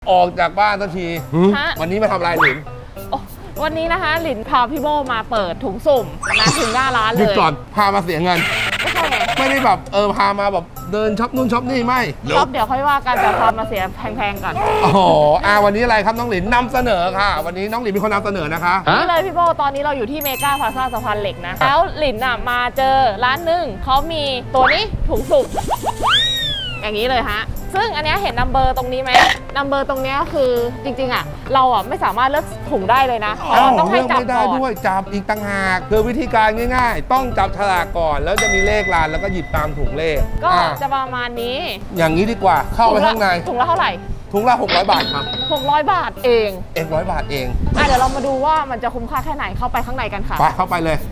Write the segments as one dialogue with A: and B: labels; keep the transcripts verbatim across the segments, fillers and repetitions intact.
A: ออกจากบ้านสักทีวันนี้มาทำอะไรหลิน
B: วันนี้นะคะหลินพาพี่โบมาเปิดถุงสุ่มนะถึงหน้าร้านเลยหยุด
A: ก่อนพามาเสียเงิน
B: ไม่ใช่ไง
A: ไม่ได้แบบเออพามาแบบเดินช็อปนู่นช็อปนี่ไม่
B: ช็อปเดี๋ยวค่อยว่ากันแต่พามาเสียแพงๆก่อน
A: โอ้โหอ่าวันนี้อะไรครับน้องหลินนำเสนอค่ะวันนี้น้องหลินเป็นคนนำเสนอนะคะ
B: นี่เลยพี่โบตอนนี้เราอยู่ที่เมกาพลาซ่าสะพานเหล็กนะแล้วหลินอ่ะมาเจอร้านหนึ่งเขามีตัวนี้ถุงสุ่มอย่างนี้เลยฮะซึ่งอันนี้เห็นนัมเบอร์ตรงนี้ไหมนัมเบอร์ตรงนี้คือจริงๆอ่ะเราอ่ะไม่สามารถเลือกถุงได้เลยนะเพราะเราต้องให้จับก่อน
A: ด้วยจับอีกต่างหากคือวิธีการง่ายๆต้องจับฉลากก่อนแล้วจะมีเลขลานแล้วก็หยิบตามถุงเลข
B: ก็จะประมาณนี้
A: อย่างนี้ดีกว่าเข้าไปข้างใน
B: ถุงละเท่าไหร่
A: ถุงละหกร้อยบาทครับ
B: หกร้อยบาทเอง
A: เอกร้อยบาทเอง
B: อ่ะเดี๋ยวเรามาดูว่ามันจะคุ้มค่าแค่ไหนเข้าไปข้างในกันค่ะ
A: ไปเข้าไปเลย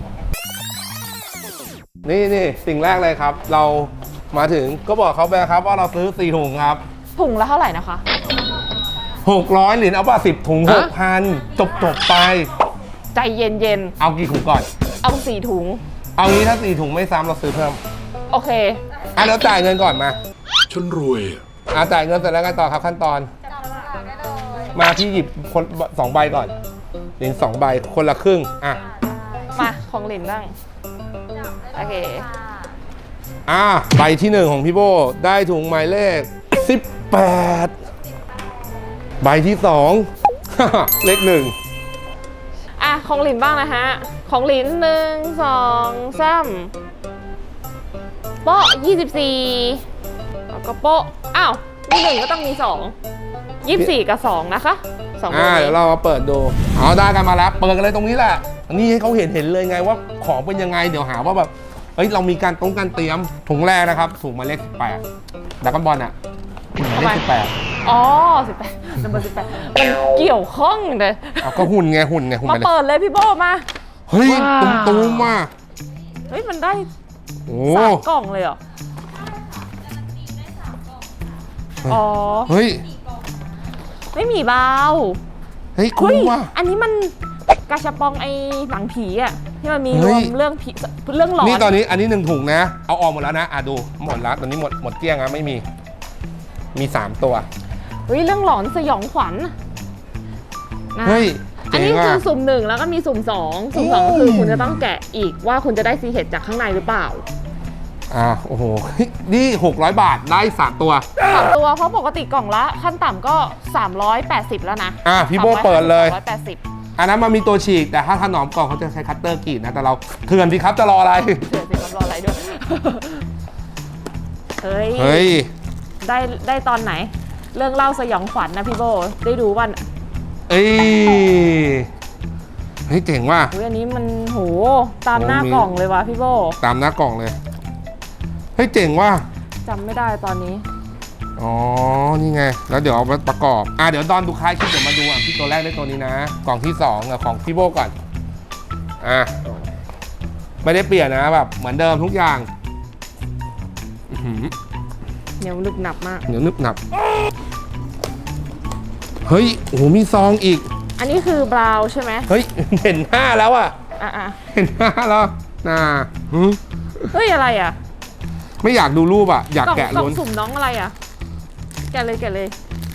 A: นี่นี่สิ่งแรกเลยครับเรามาถึงก็บอกเขาไปครับว่าเราซื้อสี่ถุงครับ
B: ถุงละเท่าไหร่นะคะ
A: หกร้อยเหรียญเอาป่ะสิบถุงหกพันจบจบไป
B: ใจเย็นเย็น
A: เอากี่ถุงก่อน
B: เอาสี่ถุง
A: เอางี้ถ้าสี่ถุงไม่ซ้ำเราซื้อเพิ่ม
B: โอเค
A: อ่ะเราจ่ายเงินก่อนมา
C: ฉันรวย
A: อ่ะจ่ายเงินเสร็จแล้วกันต่อครับขั้นตอนมาที่หยิบคนสองใบก่อนเหรียญสองใบคนละครึ่งอ่ะ
B: มาของเหรียญบ้างโอเค
A: อ่าใบที่หนึ่งของพี่โบได้ถุงหมายเลขสิบแปดใบที่สองเลขหนึ่ง
B: อ่ะของหลินบ้างนะฮะของหลินหนึ่งสองสามโป๊ะยี่สิบสี่แล้วก็โป๊ะอ้าวมีหนึ่งก็ต้องมีสองยี่สิบสี่กับสองนะคะสอง
A: อ่าเดี๋ยวเรามาเปิดดูเอาได้กันมาแล้วเปิดกันเลยตรงนี้แหละนี่ให้เขาเห็นเห็นเลยไงว่าของเป็นยังไงเดี๋ยวหาว่าแบบเฮ้ยเรามีการตรงการเตรียมถุงแรกนะครับถุงหมายเลขสิบแปดดักกันบอลอ่ะหมายเลขสิบแปด
B: อ๋อสิบแปดนัมเบอร์สิบแปดมันเกี่ยวข้องเลย
A: เอาก็หุ่นไงหุ่นไงหุ่น
B: มาเปิดเลยพี่โบมา
A: เฮ้ยตุ้มตุ้มมา
B: เฮ้ยมันได้สามกล่องเลยเหรออ๋อ
A: เฮ้ย
B: ไม่มีเบา
A: เฮ้ยคุ้มว่ะ
B: อันนี้มันกาชาปองไอ้หนังผีอ่ะที่มันมีรวมเรื่องผีเรื่องหลอน
A: นี่ตอนนี้อันนี้หนึ่งถุงนะเอาออกหมดแล้วนะอ่ะดูหมดแล้วตอนนี้หมดหมดเกลี้ยงนะไม่มีมีสามตัว
B: เฮ้ยเรื่องหลอนสยองขวัญ
A: เฮ้ย
B: อันนี้คือสุ่มหนึ่งแล้วก็มีสุ่มสองสุ่มสองคือคุณจะต้องแกะอีกว่าคุณจะได้ซีเห็ดจากข้างในหรือเปล่า
A: อ่าโอ้โหนี่หกร้อยบาทได้สามตัว
B: สามตัวเพราะปกติกล่องละขั้นต่ำก็สามร้อยแปดสิบแล้วนะ
A: อ่ะพี่โบเปิดเลย
B: สามร้อยแปดสิบ
A: อันนั้นมันมีตัวฉีกแต่ถ้าถนอมกล่องเขาจะใช้คัตเตอร์กรีดนะแต่เราเถื่อนสิครับจะรออะไร
B: เถื่อนสิครับรออะไรด้วยเฮ้ย
A: เฮ้ย
B: ได้ได้ตอนไหนเรื่องเล่าสยองขวัญนะพี่โบได้ดูวัน
A: เอ้ยเฮ้ยเจ๋งว่ะ
B: อันนี้มันโหตามหน้ากล่องเลยว่ะพี่โบ
A: ตามหน้ากล่องเลยเฮ้ยเจ๋งว่ะ
B: จำไม่ได้ตอนนี้
A: อ๋อนี่ไงแล้วเดี๋ยวเอามาประกอบอ่ะเดี๋ยวตอนดูคล้ายคลิปเดี๋ยวมาดูอ่ะพี่ตัวแรกได้ตัวนี้นะกล่องที่สองของพี่โบก่อนอ่ะไม่ได้เปลี่ยนนะแบบเหมือนเดิมทุกอย่าง
B: เหนียวนึบหนับมาก
A: เหนียวนึบหนับเฮ้ยโอ้โหมีซองอีก
B: อันนี้คือบราวใช่ไหม
A: เฮ้ยเห็นหน้าแล้วอ่ะ
B: อ่ะ
A: เห็นหน้าแล้วน่า
B: เฮ้ยอะไรอ่ะ
A: ไม่อยากดูรูปอ่ะอยากแกะล้น
B: สุ่มน้องอะไรอ่ะแกะเลยแกะเลย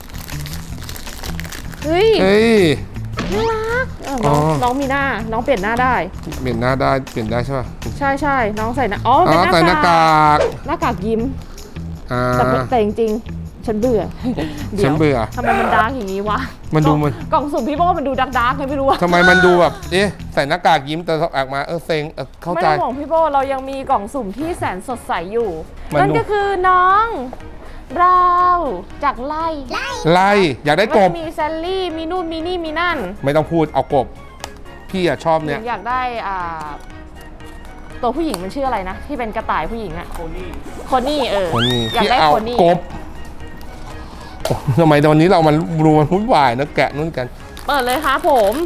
B: เฮ้ยน่ารักน้องน้องมีหน้าน้องเปลี่ยนหน้าได้
A: เปลี่ยนหน้าได้เปลี่ยนได้ใช่ป่ะ
B: ใช่ใช่น้องใส่หน้าอ๋อ
A: ใส่หน้ากาก
B: หน้ากากยิ้มแต่แต่จริงๆฉันเบื่อ
A: ฉันเบื่อ
B: ทำไมมันดาร์กอย่างนี้วะ
A: มันดูมัน
B: กล่องสุ่มพี่โบมันดูดาร์กดาร์กไงไม่รู้อะ
A: ทำไมมันดูแบบเอ๊ะใส่หน้ากากยิ้มแต่ออกมาเออเซ็งเข้าใจ
B: ไม่ต้องห่วงพี่โบเรายังมีกล่องสุ่มที่แสนสดใสอยู่นั่นก็คือน้องเราจากไล่
A: ไล่อยากได้กบ
B: มีแซลลี่มีนู่นมีนี่มีนั่น
A: ไม่ต้องพูดเอากบพี่อะชอบเนี่ย
B: อยากได้อ่าตัวผู้หญิงมันชื่ออะไรนะที่เป็นกระต่ายผู้หญิงอะโคนี่โคนี่เออ
A: อยากได้โคนี่กบทำไมตอนนี้เรามันรูมันวุ่นวายนะแกะนู่นกัน
B: เปิดเลยค่ะผม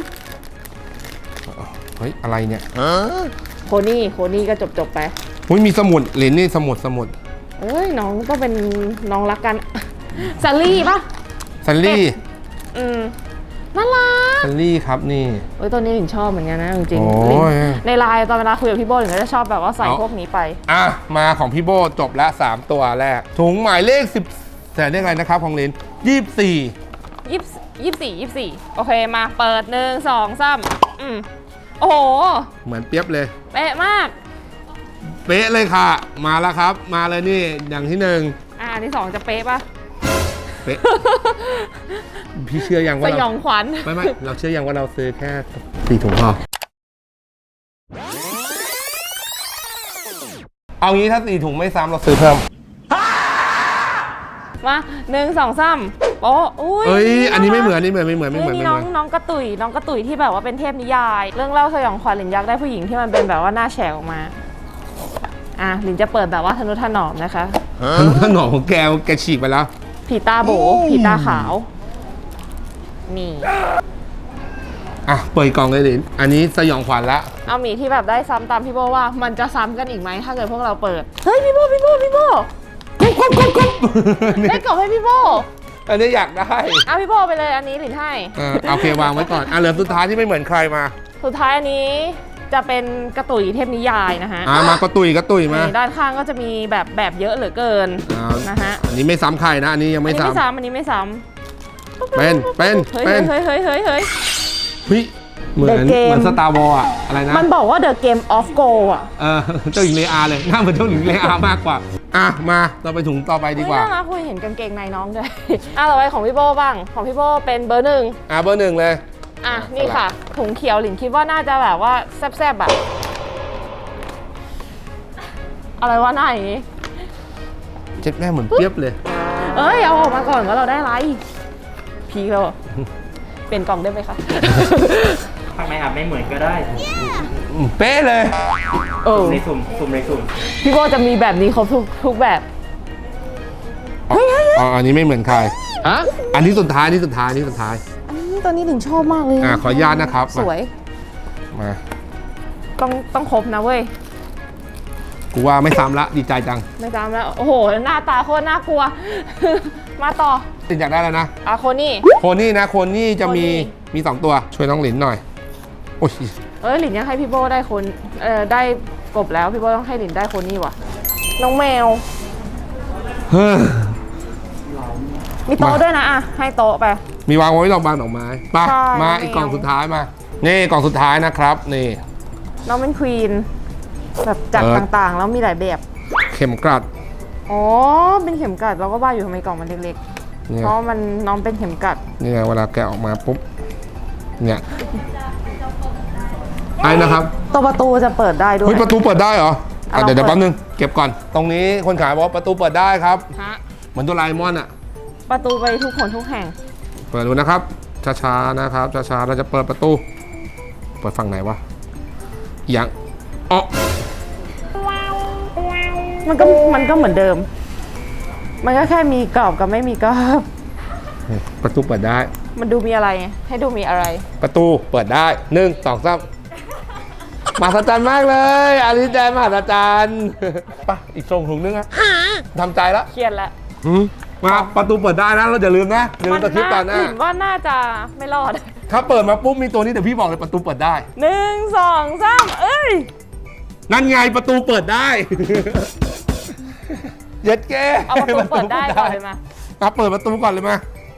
A: เฮ้ยอะไรเนี่ย
B: โคนี่โคนี่ก็จบจบไป
A: เฮ้ยมีสมุดเหรียญนี่สมุดสมุด
B: เอ้ยน้องก็เป็นน้องรักกันซัลลี่ป่ะ
A: ซัลลี่
B: อืมน่ารัก
A: ซัลลี่ครับนี่
B: เอ้ยตัวนี้ถึงชอบเหมือนกันนะจริงๆในไลน์ตอนเวลาคุยกับพี่โบถึงจะชอบแบบว่าใส่พวกนี้ไป
A: อ่ะมาของพี่โบจบละสามตัวแรกถุงหมายเลขสิบแต่เรียกอะไรนะครับของเลนยี่สิบสี่
B: ยี่ยี่สี่ยี่สี่โอเคมาเปิดหนึ่งสองสามอืมโอ้โห
A: เหมือนเปียบเลย
B: เป๊ะมาก
A: เป๊ะเลยค่ะ มาแล้วครับ มาเลยนี่อย่างที่หนึ่ง
B: อ่าอันที่สองจะเป๊ะปะ
A: เป๊ะ พี่เชื่อยัง
B: ส
A: ว่าเรา
B: ยองขวัญ
A: ไม่ไม่เราเชื่อยังว่าเราซื้อแค่สี่ถุงพอเอางี้ถ้าสี่ถุงไม่ซ้ำเราซื้อเพิ่ม
B: มาหนึ่งสองสามโป๊ะอุ้ย
A: เอ้ยอันนี้ไม่เหมือนนี่เหมือนไม่เหมือนไม่เหมือน
B: นี่
A: ไม่เห
B: น้
A: มื
B: อ
A: อง น
B: น้องกระตุยน้องกระตุยที่แบบว่าเป็นเทพนิยาย เรื่องเล่าสยองขวัญหลินยักษ์ได้ผู้หญิงที่มันเป็นแบบว่าหน้าแฉกออกมาอ่ะหลินจะเปิดแบบว่าทนุถนอมนะคะ
A: ทะนุถนอมของแกแกฉีกไปแล้ว
B: ผีตาโบผีตาขาวนี่
A: อ่ะเปิดกล่องเลยดิอันนี้สยองขวัญละ
B: เอาหมีที่แบบได้ซ้ำตามพี่โบว่ามันจะซ้ำกันอีกไหมถ้าเกิดพวกเราเปิดเฮ้ยพี่โบพี่โบพี่โบ
A: กุ๊บกุ๊บกุ๊บกุ๊บ
B: ได้กล่องให้พี่โบ
A: อันนี้อยากได้
B: เอาพี่โบไปเลยอันนี้หลินให้
A: เออโอเควางไว้ก่อนอ่ะเหลือสุดท้ายที่ไม่เหมือนใครมา
B: สุดท้ายอันนี้จะเป็นกระตุยเทพนิยายนะฮะ
A: อ่ะมากระตุยกระตุยมา
B: นี่ด้านข้างก็จะมีแบบแบบเยอะเหลือเกิน
A: อ่า
B: นะฮะ
A: อันนี้ไม่ซ้ำใครนะ อันนี้ยัง
B: อัน
A: ไม่
B: นี้ไม่
A: ซ้ำ
B: ซ้ำอันนี้ไม่ซ้ำ
A: เป็นเป็น
B: เฮ้ย
A: เป็น
B: เฮ้ยเฮ้ยเฮ้ยเฮ้ย
A: เฮ้ยเหมือน
B: The Game
A: เหมือนสตาร์วอลอะอะไรนะ
B: มันบอกว่า The Game of Go อ่ะ
A: เออเจ้าหญิงเลอาเลยหน้าเหมือนเจ้าหญิงเลอามากกว่าอ่ะมาเราไปถุงต่อไปดีกว่า
B: เฮ้ยน่ารักคุยเห็นกางเกงในน้องด้วย อ่ะต่อไปของพี่โบบ้างของพี่โบเป็นเบอร์หนึ่ง
A: อ่ะเบอร์หนึ่งเลย
B: อ่ะนี่ค่ะถุงเขียวหลินคิดว่าน่าจะแบบว่าแซ่บๆแบบอะไรวะหน้าอย่างนี้
A: เจ็ดแม่เหมือนเปียบเลย
B: เอ้ยเอาออกมาก่อนว่าเราได้อะไรพีคแล้วอะเปลี่ยนกล่องได้ไหมคะ
C: ทำไมอาจไม่เหมือนก็ได้
A: อืมเป๊ะเลย
B: เออ
C: ในสุ่มสุ่มในสุ่ม
B: พี่โบจะมีแบบนี้ครบทุกทุกแบบ
A: อ๋ออ๋ออันนี้ไม่เหมือนใครอ่ะอันนี้สุดท้ายอันนี้สุดท้ายอันนี้สุดท้าย
B: อันนี้ตอนนี้หลินชอบมากเลย
A: อ่ะขออนุญาตนะครับ
B: สวย
A: มา
B: ต้องต้องครบนะเว้ย
A: กูว่าไม่ซ้ำละดีใจจัง
B: ไม่จำแล้ว โอ้โห หน้าตาโคตรน่ากลัว มาต่อ
A: ติดอยากได้แล้วนะ
B: อาโคนี่
A: โคนี่นะโคนี่จะมี
B: โคนี่
A: มีสองตัวช่วยน้องหลินหน่อยโอ้ย
B: เอ้ยหลินยังให้พี่โบได้คนเอ่อได้กบแล้วพี่โบต้องให้หลินได้โคนี่ว่ะ น้องแมว
A: เฮ้อ
B: มีโต๊ะด้วยนะอ่ะ ให้โต๊ะไป
A: มีวางไว้ดอกบานดอกไม้ไป
B: ใช่
A: มา
B: น้องแมว
A: อีกกล่องสุดท้ายมา นี่กล่องสุดท้ายนะครับ นี่
B: น้องเป็นควีน แบบจัด
A: เออ
B: ต่างๆ แล้วมีหลายแบบ
A: เข็มกลัด
B: อ๋อ เป็นเข็มกลัดเราก็ว่าอยู่ทำไมกล่องมันเล็กๆ
A: เนี่ย
B: เพราะมันน้องเป็นเข็มกลัด
A: นี่ไงเวลาแกะออกมาปุ๊บ เนี่ยไอ้นะครับ
B: ตัวประตูจะเปิดได้ด้ว
A: เฮ้
B: ย
A: ยประตูเปิดได้เหรอ
B: อ่ะ
A: อ่ะเดี๋ยว
B: ลอง
A: เดี๋ยว
B: เปิด
A: แป๊บนึง เก็บก่อน ตรงนี้คนขายบอกว่าประตูเปิดได้ครับ
B: ฮะ
A: เหมือนตัวไลมอนอะ
B: ประตูไปทุกคนทุกแห่ง
A: เปิดดูนะครับ ช้าๆนะครับ ช้าๆ เราจะเปิดประตู เปิดฝั่งไหนวะยังอ๋อ
B: มันก็มันก็เหมือนเดิม มันก็แค่มีกรอบกับไม่มีกรอบ
A: ประตูเปิดได้
B: มันดูมีอะไร ให้ดูมีอะไร
A: ประตูเปิดได้หนึ่งสองสามมหัศจรรย์มากเลยอันนี้ใจมหัศจรรย์ไปอีกส่งถุงนึงอะทำใจแล้ว
B: เครียดแล้ว
A: หืมมาประตูเปิดได้นะเราอย่าลืมนะอย่าลืมตะคริปก่อนนะ
B: เห็นว่าน่าจะไม่รอด
A: ถ้าเปิดมาปุ๊บมีตัวนี้เดี๋ยวพี่บอกเลยประตูเปิดได้
B: หนึ่งสองสามเอ้ย
A: นั่นไงประตูเปิดได้ เย็ดแก
B: เอาประตูเปิดได้ก่อนเลยมา
A: มาเปิดประตูก่อนเลยมา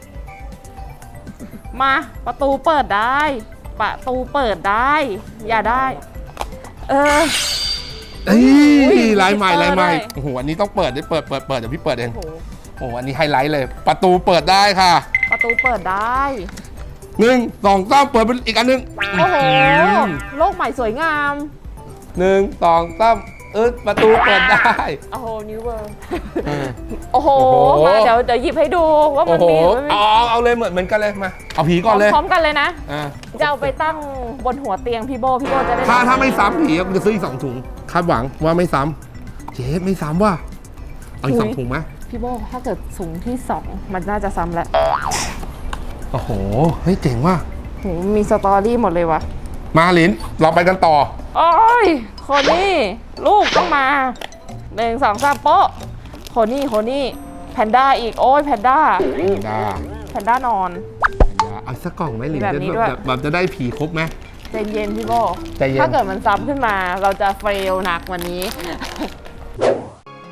B: มาประตูเปิดได้ ประตูเปิดได้ อย่าได้ เออ
A: เฮ้
B: อุ้
A: ย
B: ย
A: ลายใหม่
B: มี
A: ลายใหม่
B: ด้วย
A: โอ้โหอันนี้ต้องเปิดได้เปิดเปิดเปิดเดี๋ยวพี่เปิดเอง
B: โอ้โห
A: โอ้โหอันนี้ไฮไลท์เลย ประตูเปิดได้ค่ะ
B: ประตูเปิดได้
A: หนึ่งสองสามเปิดเป็นอีกอันหนึง
B: โอ้โห โลกใหม่สวยงาม
A: หนึ่งสองสามเออประตูเปิดได้
B: โอ้โห นิวเวิร์
A: เออ
B: โอ้โห
A: โอ้โห
B: มาเดี๋ยวเดี๋ยวหยิบให้ดูว่า
A: โอ้
B: มัน
A: โห
B: มีหรือไม่มี
A: เอาเอาเอาเลยเหมือนเหมือนกันเลยมาเอาผีก่อนเลย
B: พร้อมๆกันเลยนะ
A: อ่า
B: จะเอาไปตั้งบนหัวเตียงพี่โบ พี่โบจะได้
A: ถ้าถ้าไม่ซ้ำผีกูจะซื้ออีกสองถุงคาดหวังว่าไม่ซ้ำเจ๊ไม่ซ้ำว่ะเอาอีกสองถุงไหม
B: พี่โบถ้าเกิดสูงที่สองมันน่าจะซ้ำแล้ว
A: โอ้โหเฮ้ยเจ๋งว่ะ
B: โหมีสตอรี่หมดเลยวะ
A: มาลินเราไปกันต่อ
B: โอ้ยคนนี้ลูกต้องมาหนึ่งสองสามโป๊ะคนนี้คนนี้แพนด้าอีกโอ้ยแพนด้า
A: ได้
B: แพนด้านอน
A: เอาสักกล่องไหมลิน
B: แบบนี้ด้วย
A: แบบแบบจะได้ผีครบไหม
B: ใจเย็นพี่โบ
A: ใจเย็น
B: ถ้าเกิดมันซ้ำขึ้นมาเราจะเฟลหนักวันนี้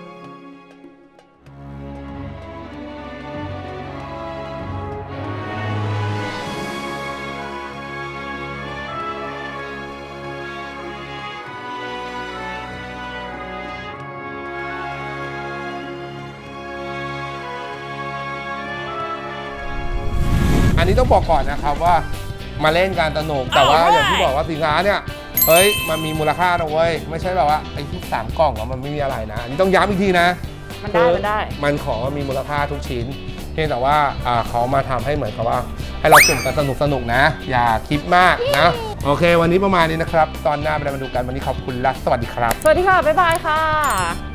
A: มนี้ต้องบอกก่อนนะครับว่ามาเล่นการสนุกแต่ว่าอย่างที่บอกว่าสินค้าเนี่ยเฮ้ยมันมีมูลค่านะเว้ยไม่ใช่แบบว่าไอ้ที่สามกล่องอะมันไม่มีอะไรนะอันนี้ต้องย้ำอีกทีนะ
B: มันได้มันได้
A: มันของมันมีมูลค่าทุกชิ้นเพียงแต่ว่าอ่าเขามาทำให้เหมือนกับว่า ให้เราสุ่มกันสนุกสนุกๆนะ อย่าคิดมากนะโอเค วันนี้ประมาณนี้นะครับ ตอนหน้าไปมาดูกันวันนี้ขอบคุณและสวัสดีครับ
B: สวัสดีค่ะ บ๊ายบายค่ะ